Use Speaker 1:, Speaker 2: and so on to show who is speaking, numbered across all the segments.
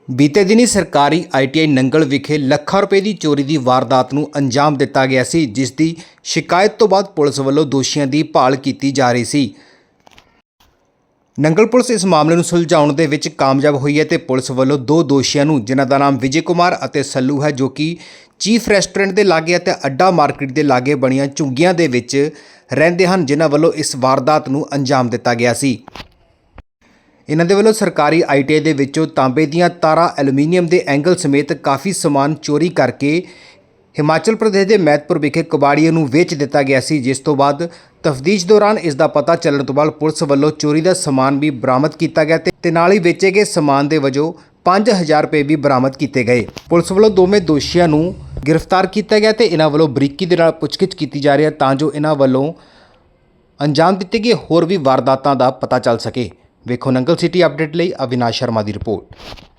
Speaker 1: ਬੀਤੇ ਦਿਨੀ ਸਰਕਾਰੀ ਆਈਟੀਆਈ ਨੰਗਲ ਵਿਖੇ ਲੱਖਾਂ ਰੁਪਏ ਦੀ ਚੋਰੀ ਦੀ ਵਾਰਦਾਤ ਨੂੰ ਅੰਜਾਮ ਦਿੱਤਾ ਗਿਆ ਸੀ, ਜਿਸ ਦੀ ਸ਼ਿਕਾਇਤ ਤੋਂ ਬਾਅਦ ਪੁਲਿਸ ਵੱਲੋਂ ਦੋਸ਼ੀਆਂ ਦੀ ਭਾਲ ਕੀਤੀ ਜਾ ਰਹੀ ਸੀ। ਨੰਗਲ ਪੁਲਿਸ ਇਸ ਮਾਮਲੇ ਨੂੰ ਸੁਲਝਾਉਣ ਦੇ ਵਿੱਚ ਕਾਮਯਾਬ ਹੋਈ ਹੈ ਤੇ ਪੁਲਿਸ ਵੱਲੋਂ ਦੋ ਦੋਸ਼ੀਆਂ ਨੂੰ, ਜਿਨ੍ਹਾਂ ਦਾ ਨਾਮ ਵਿਜੇ ਕੁਮਾਰ ਅਤੇ ਸੱਲੂ ਹੈ, ਜੋ ਕਿ ਚੀਫ ਰੈਸਟੋਰੈਂਟ ਦੇ ਲਾਗੇ ਅਤੇ ਅੱਡਾ ਮਾਰਕੀਟ ਦੇ ਲਾਗੇ ਬਣੀਆਂ ਝੁੱਗੀਆਂ ਦੇ ਵਿੱਚ ਰਹਿੰਦੇ ਹਨ, ਜਿਨ੍ਹਾਂ ਵੱਲੋਂ ਇਸ ਵਾਰਦਾਤ ਨੂੰ ਅੰਜਾਮ ਦਿੱਤਾ ਗਿਆ ਸੀ। ਇਹਨਾਂ ਦੇ ਵੱਲੋਂ ਸਰਕਾਰੀ ਆਈਟੀਆਈ ਦੇ ਵਿੱਚੋਂ ਤਾਂਬੇ ਦੀਆਂ ਤਾਰਾਂ, ਐਲੂਮੀਨੀਅਮ ਦੇ ਐਂਗਲ ਸਮੇਤ ਕਾਫੀ ਸਮਾਨ ਚੋਰੀ ਕਰਕੇ ਹਿਮਾਚਲ ਪ੍ਰਦੇਸ਼ ਦੇ ਮਹਿਤਪੁਰ ਵਿਖੇ ਕਬਾੜੀਏ ਨੂੰ ਵੇਚ ਦਿੱਤਾ ਗਿਆ ਸੀ, ਜਿਸ ਤੋਂ ਬਾਅਦ ਤਫਤੀਸ਼ ਦੌਰਾਨ ਇਸ ਦਾ ਪਤਾ ਚੱਲਣ ਤੋਂ ਬਾਅਦ ਪੁਲਿਸ ਵੱਲੋਂ ਚੋਰੀ ਦਾ ਸਮਾਨ ਵੀ ਬਰਾਮਦ ਕੀਤਾ ਗਿਆ ਤੇ ਨਾਲ ਹੀ ਵੇਚੇ ਗਏ ਸਮਾਨ ਦੇ ਵਜੋਂ 5000 ਰੁਪਏ ਵੀ ਬਰਾਮਦ ਕੀਤੇ ਗਏ। ਪੁਲਿਸ ਵੱਲੋਂ ਦੋਵੇਂ ਦੋਸ਼ੀਆਂ ਨੂੰ ਗ੍ਰਿਫਤਾਰ ਕੀਤਾ ਗਿਆ ਤੇ ਇਹਨਾਂ ਵੱਲੋਂ ਬਰੀਕੀ ਦੇ ਨਾਲ ਪੁੱਛਗਿੱਛ ਕੀਤੀ ਜਾ ਰਹੀ ਹੈ ਤਾਂ ਜੋ ਇਹਨਾਂ ਵੱਲੋਂ ਅੰਜਾਮ ਦਿੱਤੇ ਗਏ ਹੋਰ ਵੀ ਵਾਰਦਾਤਾਂ ਦਾ ਪਤਾ ਚੱਲ ਸਕੇ। ਵੇਖੋ ਨੰਗਲ ਸਿਟੀ ਅਪਡੇਟ ਲਈ ਅਵਿਨਾਸ਼ ਸ਼ਰਮਾ ਦੀ ਰਿਪੋर्ट।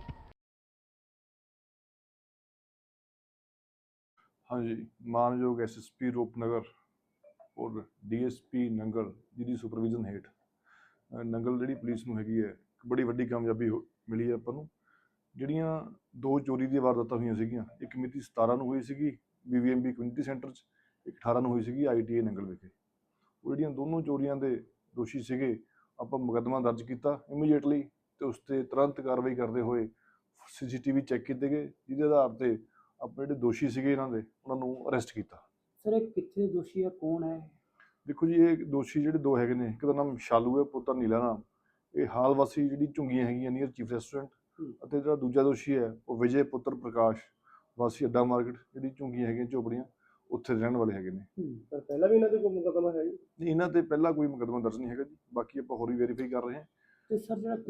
Speaker 2: हाँ जी, मानयोग SSP रूपनगर और DSP नंगल जिहदी सुपरविजन हेठ नंगल जिहड़ी पुलिस नूं हैगी है बड़ी वड्डी कामयाबी मिली है आपां नूं। जिहड़ियां दो चोरी दी वारदातां होईयां सीगीआं, एक मिति 17 नूं होई सीगी BVMB कम्यूनिटी सेंटर च, एक 18 नूं होई सीगी ITI नंगल विखे। ਉਹ ਜਿਹੜੀਆਂ ਦੋਨੋਂ ਚੋਰੀਆਂ ਦੇ ਦੋਸ਼ੀ ਸੀਗੇ, ਆਪਾਂ ਮੁਕੱਦਮਾ ਦਰਜ ਕੀਤਾ ਇਮੀਡੀਏਟਲੀ ਤੇ ਉਸ ਤੇ ਤੁਰੰਤ ਕਾਰਵਾਈ ਕਰਦੇ ਹੋਏ CCTV ਚੈੱਕ ਕੀਤੇ ਗਏ, ਜਿਹਦੇ ਆਧਾਰ ਤੇ ਆਪਣੇ ਜਿਹੜੇ ਦੋਸ਼ੀ ਸੀਗੇ ਇਹਨਾਂ ਦੇ ਉਹਨਾਂ ਨੂੰ ਅਰੈਸਟ ਕੀਤਾ।
Speaker 3: ਸਰ ਇਹ ਕਿੱਥੇ ਦੋਸ਼ੀ ਹੈ, ਕੌਣ ਹੈ?
Speaker 2: ਦੇਖੋ ਜੀ, ਇਹ ਦੋਸ਼ੀ ਜਿਹੜੇ ਦੋ ਹੈਗੇ ਨੇ, ਇੱਕ ਦਾ ਨਾਮ ਸ਼ਾਲੂ ਹੈ, ਪੁੱਤਰ ਨੀਲਾ ਨਾਮ, ਇਹ ਹਾਲ ਵਾਸੀ ਜਿਹੜੀ ਝੁੰਗੀਆਂ ਹੈਗੀਆਂ ਨੀਅਰ ਚੀਫ ਰੈਸਟੋਰੈਂਟ, ਅਤੇ ਜਿਹੜਾ ਦੂਜਾ ਦੋਸ਼ੀ ਹੈ ਉਹ ਵਿਜੇ ਪੁੱਤਰ ਪ੍ਰਕਾਸ਼ ਵਾਸੀ ਅੱਡਾ ਮਾਰਕੀਟ ਜਿਹੜੀ ਝੁੰਗੀਆਂ ਹੈਗੀਆਂ ਝੋਪੜੀਆਂ ਉੱਥੇ ਰਹਿਣ ਵਾਲੇ ਹੈਗੇ ਨੇ।
Speaker 3: ਪਰ ਪਹਿਲਾਂ ਵੀ ਇਹਨਾਂ ਤੇ ਕੋਈ ਮੁਕੱਦਮਾ ਹੈ ਜੀ?
Speaker 2: ਨਹੀਂ, ਇਹਨਾਂ ਤੇ ਪਹਿਲਾਂ ਕੋਈ ਮੁਕੱਦਮਾ ਦਰਜ ਨਹੀਂ ਹੈਗਾ ਜੀ, ਬਾਕੀ ਆਪਾਂ ਹੋਰ ਵੀ ਵੈਰੀਫਾਈ ਕਰ ਰਹੇ ਹਾਂ।
Speaker 3: ਤੇ ਸਰ ਜਿਹੜਾ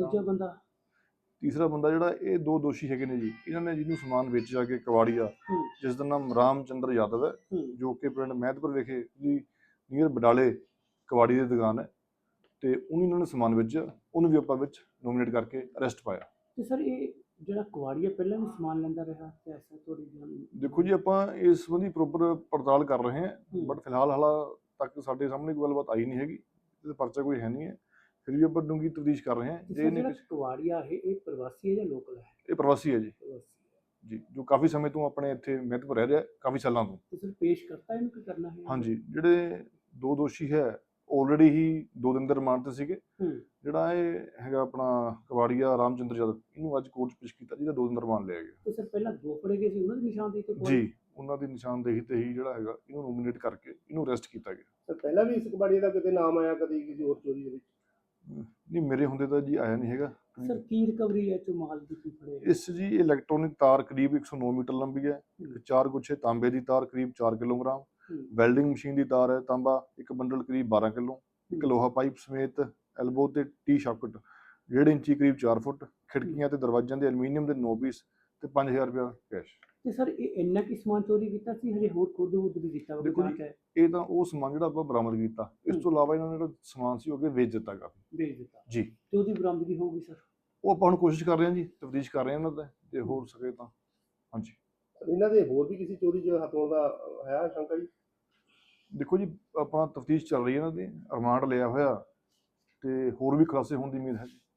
Speaker 2: ਤੀਸਰਾ ਬੰਦਾ ਜਿਹੜਾ, ਇਹ ਦੋ ਦੋਸ਼ੀ ਹੈਗੇ ਨੇ ਜੀ, ਇਹਨਾਂ ਨੇ ਜਿਹਨੂੰ ਸਮਾਨ ਵੇਚਿਆ ਕਿ ਕਵਾੜੀਆ, ਜਿਸ ਦਾ ਨਾਮ ਰਾਮਚੰਦਰ ਯਾਦਵ ਹੈ, ਜੋ ਕਿ ਪਿੰਡ ਮਹਿਤਪੁਰ ਵਿਖੇ ਦੀ ਨੀਅਰ ਬਡਾਲੇ ਕਵਾੜੀ ਦੀ ਦੁਕਾਨ ਹੈ, ਤੇ ਉਹਨੂੰ ਇਹਨਾਂ ਨੇ ਸਮਾਨ ਵੇਚਿਆ, ਉਹਨੂੰ ਵੀ ਆਪਾਂ ਵਿੱਚ ਨੋਮੀਨੇਟ ਕਰਕੇ ਅਰੈਸਟ ਪਾਇਆ।
Speaker 3: ਤੇ ਸਰ ਇਹ ਜਿਹੜਾ ਕਵਾੜੀਆ ਪਹਿਲਾਂ ਵੀ ਸਮਾਨ ਲੈਂਦਾ ਰਿਹਾ ਤੇ ਐਸਾ ਥੋੜੀ ਜਿਹੀ?
Speaker 2: ਦੇਖੋ ਜੀ, ਆਪਾਂ ਇਸ ਸੰਬੰਧੀ ਪ੍ਰੋਪਰ ਪੜਤਾਲ ਕਰ ਰਹੇ ਹਾਂ, ਬਟ ਫਿਲਹਾਲ ਹਾਲਾ ਤੱਕ ਸਾਡੇ ਸਾਹਮਣੇ ਕੋਈ ਗੱਲਬਾਤ ਆਈ ਨਹੀਂ ਹੈਗੀ, ਤੇ ਪਰਚਾ ਕੋਈ ਹੈ ਨਹੀਂ ਹੈ, ਫਿਰ ਵੀ ਆਪਾਂ ਡੂੰਘੀ ਤਫਤੀਸ਼ ਕਰ ਰਹੇ ਹਾਂ।
Speaker 3: ਜਿਹੜਾ ਕਵਾੜੀਆ ਹੈ ਇਹ ਪ੍ਰਵਾਸੀ ਹੈ ਜਾਂ ਲੋਕਲ ਹੈ?
Speaker 2: ਇਹ ਪ੍ਰਵਾਸੀ ਹੈ ਜੀ, ਜੋ ਕਾਫੀ ਸਮੇਂ ਤੋਂ ਆਪਣੇ ਇੱਥੇ ਮਹਿਤਪੁਰ ਰਹਿ ਰਿਹਾ, ਕਾਫੀ ਸਾਲਾਂ ਤੋਂ।
Speaker 3: ਤੇ ਸਰ ਪੇਸ਼ ਕਰਤਾ ਇਹਨੂੰ ਕੀ ਕਰਨਾ ਹੈ?
Speaker 2: ਹਾਂਜੀ, ਜਿਹੜੇ ਦੋ ਦੋਸ਼ੀ ਹੈ ਆਲਰੇਡੀ ਹੀ 2 ਦਿਨ ਦੇ ਰਿਮਾਂਡ ਤੇ ਸੀਗੇ। ਜਿਹੜਾ ਇਹ ਹੈਗਾ ਆਪਣਾ ਕਵਾੜੀਆ ਰਾਮਚੰਦਰ ਯਾਦਵ, ਇਹਨੂੰ ਅੱਜ ਕੋਰਟ 'ਚ ਪੇਸ਼ ਕੀਤਾ, ਜਿਹਦਾ 2 ਦਿਨ ਦਾ ਰਿਮਾਂਡ ਲਿਆ ਗਿਆ।
Speaker 3: ਤੇ ਸਰ ਪਹਿਲਾਂ ਦੋ ਫੜੇ ਗਏ ਸੀ, ਉਹਨਾਂ ਦੀ ਨਿਸ਼ਾਨਦੇਹੀ ਤੇ
Speaker 2: ਜੀ, ਉਹਨਾਂ ਦੀ ਨਿਸ਼ਾਨਦੇਹੀ ਤੇ ਹੀ ਜਿਹੜਾ ਹੈਗਾ ਇਹਨੂੰ ਨੋਮੀਨੇਟ ਕਰਕੇ ਇਹਨੂੰ ਅਰੈਸਟ ਕੀਤਾ ਗਿਆ।
Speaker 3: ਸਰ ਪਹਿਲਾਂ ਵੀ ਇਸ ਕਵਾੜੀਏ ਦਾ ਕਿਤੇ ਨਾਮ ਆਇਆ ਕਦੀ ਕਿਸੇ ਹੋਰ ਚੋਰੀ ਦੇ ਵਿੱਚ?
Speaker 2: ਨਹੀਂ, ਮੇਰੇ ਹੁੰਦੇ ਤਾਂ ਜੀ ਆਇਆ ਨਹੀਂ ਹੈਗਾ।
Speaker 3: ਸਰ ਕੀ ਰਿਕਵਰੀ ਹੈ ਚੋਂ ਮਾਲ ਦੀ, ਕੀ ਫੜੇ?
Speaker 2: ਇਸ ਜੀ ਇਲੈਕਟ੍ਰੋਨਿਕ ਤਾਰ ਕਰੀਬ 109 ਮੀਟਰ ਲੰਬੀ ਹੈ, 4 ਗੁੱਛੇ ਤਾਂਬੇ ਦੀ ਤਾਰ ਕਰੀਬ 4 ਕਿਲੋਗ੍ਰਾਮ, ਵੈਲਡਿੰਗ ਮਸ਼ੀਨ ਦੀ ਤਾਰ ਹੈ ਤਾਂਬਾ, ਇੱਕ ਬੰਡਲ ਕਰੀਬ 12 ਕਿਲੋ, ਇੱਕ ਲੋਹਾ ਪਾਈਪ ਸਮੇਤ ਐਲਬੋ ਤੇ ਟੀ ਸ਼ਾਕਟ 1.5 ਇੰਚੀ ਕਰੀਬ 4 ਫੁੱਟ, ਖਿੜਕੀਆਂ ਤੇ ਦਰਵਾਜ਼ਿਆਂ ਦੇ ਐਲੂਮੀਨੀਅਮ ਦੇ 9 ਪੀਸ ਤੇ 5000 ਰੁਪਇਆ ਕੈਸ਼।
Speaker 3: ਤੇ ਸਰ ਇਹ ਇੰਨਾ ਕੀ ਸਮਾਨ ਚੋਰੀ ਕੀਤਾ ਸੀ, ਹਜੇ ਹੋਰ ਖੁਦ ਵੀ ਕੀਤਾ?
Speaker 2: ਦੇਖੋ ਜੀ, ਇਹ ਤਾਂ ਉਹ ਸਮਾਨ ਜਿਹੜਾ ਆਪਾਂ ਬਰਾਮਦ ਕੀਤਾ, ਇਸ ਤੋਂ ਇਲਾਵਾ ਇਹਨਾਂ ਨੇ ਜਿਹੜਾ ਸਮਾਨ ਸੀ ਉਹ ਅੱਗੇ ਵੇਚ ਦਿੱਤਾ ਜੀ।
Speaker 3: ਤੇ ਉਹਦੀ ਬਰਾਮਦਗੀ ਹੋਊਗੀ ਸਰ?
Speaker 2: ਉਹ ਆਪਾਂ ਹੁਣ ਕੋਸ਼ਿਸ਼ ਕਰ ਰਹੇ ਹਾਂ ਜੀ, ਤਫਤੀਸ਼ ਕਰ ਰਹੇ ਹਾਂ ਇਹਨਾਂ ਦਾ, ਜੇ ਹੋ ਸਕੇ ਤਾਂ। ਹਾਂਜੀ,
Speaker 3: ਇਹਨਾਂ ਦੇ ਹੋਰ ਵੀ ਕਿਸੇ ਚੋਰੀ 'ਚ ਹੱਥ ਹੋਣ ਦਾ ਹੈ ਸ਼ੰਕਾ ਜੀ?
Speaker 2: ਦੇਖੋ ਜੀ, ਆਪਣਾ ਤਫਤੀਸ਼ ਚੱਲ ਰਹੀ ਹੈ ਇਹਨਾਂ ਦੀ, ਰਿਮਾਂਡ ਲਿਆ ਹੋਇਆ ਤੇ ਹੋਰ ਵੀ ਖੁਲਾਸੇ ਹੋਣ ਦੀ ਉਮੀਦ ਹੈ ਜੀ।